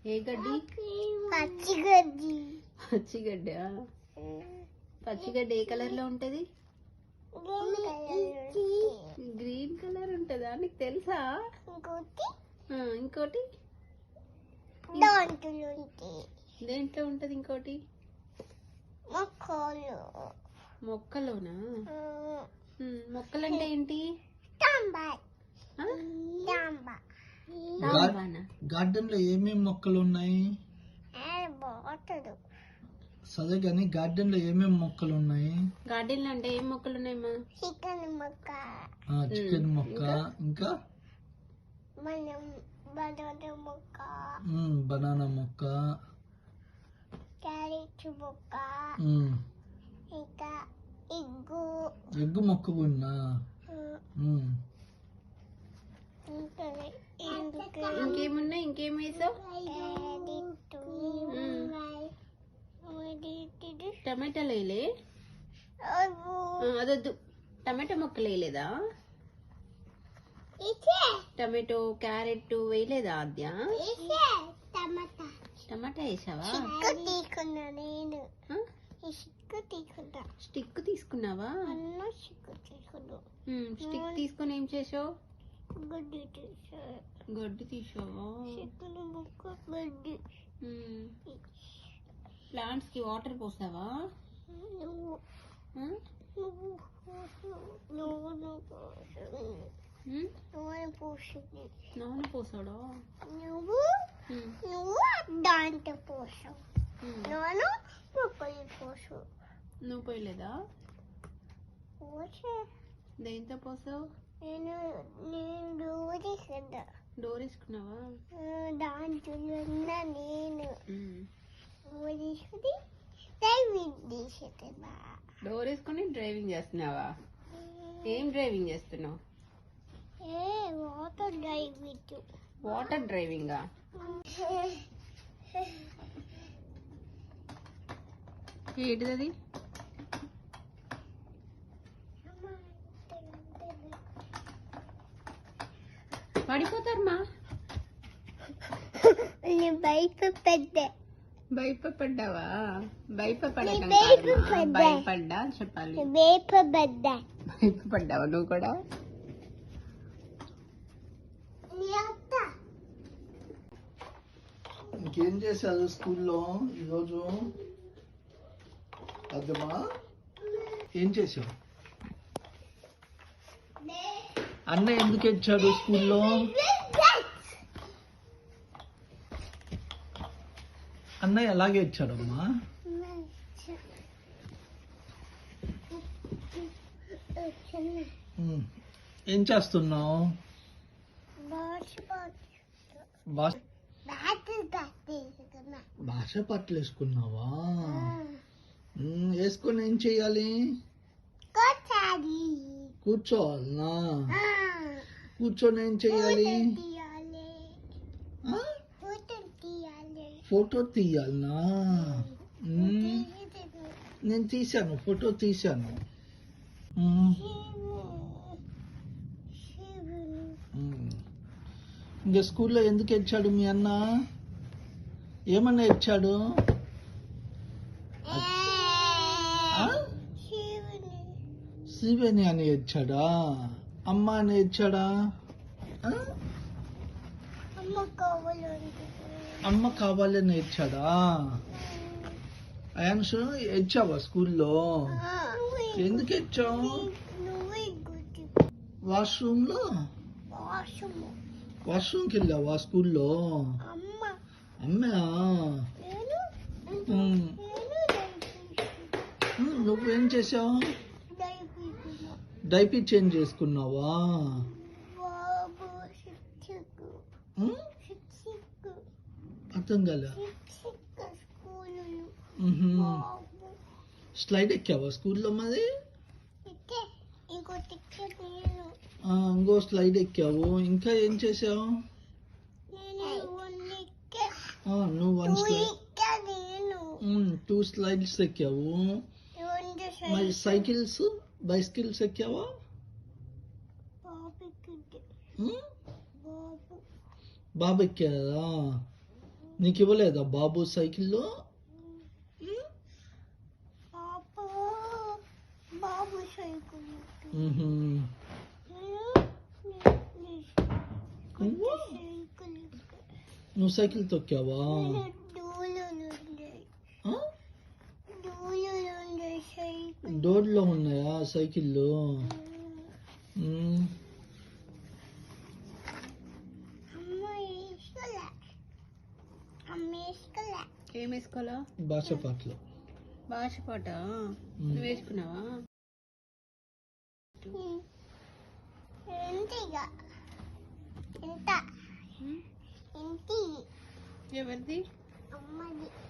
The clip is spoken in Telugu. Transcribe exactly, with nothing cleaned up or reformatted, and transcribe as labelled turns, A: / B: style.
A: ఏ గడ్డి?
B: పచ్చిగడ్డి.
A: పచ్చిగడ్డ. పచ్చిగడ్డ ఏ కలర్ లో ఉంటది? గ్రీన్ కలర్ ఉంటదా? నీకు తెలుసా? ఇంకోటి దేంట్లో ఉంటది? ఇంకోటి మొక్కలోనా? మొక్కలంటే ఏంటి?
C: గార్డెన్ లో ఏమేమి మొక్కలు ఉన్నాయి? సరే కానీ గార్డెన్ లో ఏమేమి మొక్కలు ఉన్నాయి?
A: గార్డెన్ లో అంటే ఏం మొక్కలు ఉన్నాయమ్మా?
B: చికెన్ మొక్క,
C: చికెన్ మొక్క, ఇంకా
B: బనానా మొక్క,
C: బనానా మొక్క,
B: క్యారెట్ మొక్క, ఇంకా ఎగ్గు
C: ఎగ్గు మొక్క ఉన్నా.
A: ఇంకేమున్నాయి? ఇంకేం వేసావు? టమాటాలు వేయలే? అదొద్దు. టమాటా మొక్కలు వేయలేదా? Tomato carrot వేయలేదా? ఆద్య టమాటా వేసావా? స్టిక్ తీసుకున్నావా? స్టిక్ తీసుకొని ఏం చేసావు?
B: గడ్డి తీసా.
A: గడ్డి తీసావా? ప్లాంట్స్ కి వాటర్ పోసావా? నూనె పోసాడా?
B: నువ్వు నువ్వు దాంట్లో పోసావు. నూనె మొక్కలు పోసావు.
A: నువ్వు పోయలేదా?
B: పోసా.
A: దేంతో పోసావు?
B: నేను నేను డోర్ వేసుకున్నా.
A: డోర్ వేసుకున్నావా?
B: దాంట్లో ఉన్న నేను డోర్ వేసుకుని డ్రైవింగ్ చేస్తున్నా.
A: డోర్ వేసుకుని డ్రైవింగ్ చేస్తున్నావా? ఏం డ్రైవింగ్ చేస్తున్నావు?
B: ఏ వాటర్ డ్రైవింగ్.
A: వాటర్ డ్రైవింగా? ఏంటిది? పడిపోతారమ్మా.
B: భయపడ్డా.
A: భయపడ్డావా? భయపడ్డా భయపడ్డా చెప్పాలి.
B: భయపడ్డా.
A: భయపడ్డావా నువ్వు కూడా?
C: ఇంకేం చేశారు స్కూల్లో ఈరోజు? అర్థమా? ఏం చేశావు? అన్న ఎందుకు ఇచ్చాడు స్కూల్లో? అన్న ఎలాగే ఇచ్చాడమ్మా? ఏం చేస్తున్నావు? భాష పట్లు వేసుకున్నావా? వేసుకొని ఏం చెయ్యాలి? కూర్చోవాలనా? కూర్చొని ఏం చెయ్యాలి? ఫోటో తీయాలనా? నేను తీశాను, ఫోటో తీశాను. ఇంకా స్కూల్లో ఎందుకు ఇచ్చాడు మీ అన్న? ఏమన్నా ఇచ్చాడు? శివని అని ఇచ్చాడా? అమ్మ అని ఇచ్చాడా? అమ్మ కావాలని ఇచ్చాడా? అయాన్షు ఇచ్చావా స్కూల్లో? ఎందుకు ఇచ్చావు? వాష్రూమ్ లో వాష్రూమ్కి వెళ్ళావా స్కూల్లో? అమ్మా నువ్వేం చేసావు? డైపీ చేంజ్ చేసుకున్నావా? అర్థం కాలే. స్లైడ్ ఎక్కావా స్కూల్లో? మరి ఇంకో స్లైడ్ ఎక్కావు. ఇంకా ఏం చేసావు? నువ్వు వన్ స్లైడ్, టూ స్లైడ్స్ ఎక్కావు. మరి సైకిల్స్, బైసికల్స్ ఎక్కావా? బాబు ఎక్కారా? నీకు ఇవ్వలేదా బాబు సైకిల్లో?
B: పాప బాబు సైకిల్
C: మ్హూ. నువ్వు
B: సైకిల్
C: నువ్వు సైకిల్ తొక్కావా?
B: దూలు నుండి
C: ఆ?
B: దూలు నుండి సైకిల్
C: డోర్లో ఉన్నాయా సైకిళ్ళు? మ్.
B: అమ్మ వేసుకోలే అమ్మ వేసుకోలే
A: ఏం వేసుకోవాలా?
C: భాష పాటలు.
A: భాష పాట నువ్వు వేసుకున్నావా?
B: ఇంటిగా ఇంత ఇంటి
A: ఎవరిది?
B: అమ్మది